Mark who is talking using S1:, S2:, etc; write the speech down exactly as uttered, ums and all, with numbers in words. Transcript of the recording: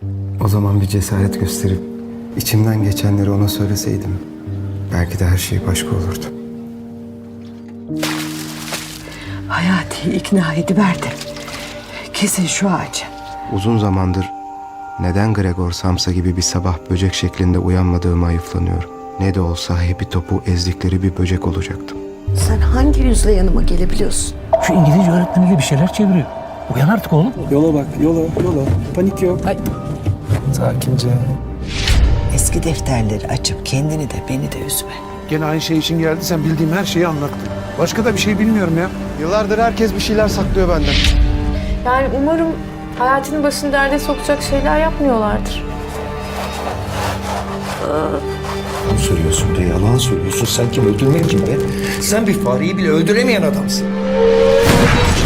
S1: O zaman bir cesaret gösterip içimden geçenleri ona söyleseydim belki de her şey başka olurdu.
S2: Hayati'yi ikna ediverdi. Kesin şu ağacı.
S1: Uzun zamandır neden Gregor Samsa gibi bir sabah böcek şeklinde uyanmadığımı ayıflanıyorum. Ne de olsa hepi topu ezdikleri bir böcek olacaktım.
S2: Sen hangi yüzle yanıma gelebiliyorsun?
S3: Şu İngilizce öğretmeniyle bir şeyler çeviriyor. Uyan artık oğlum.
S4: Yola bak, yola, yola. Panik yok.
S3: Ay.
S4: Sakince.
S2: Eski defterleri açıp kendini de beni de üzme.
S4: Gene aynı şey için geldi. Sen bildiğim her şeyi anlattın. Başka da bir şey bilmiyorum ya.
S1: Yıllardır herkes bir şeyler saklıyor benden.
S5: Yani umarım Hayati'nin başını derde sokacak şeyler yapmıyorlardır.
S6: Yalan söylüyorsun de yalan söylüyorsun. Sen kim öldürmek kim be? Sen bir fareyi bile öldüremeyen adamsın.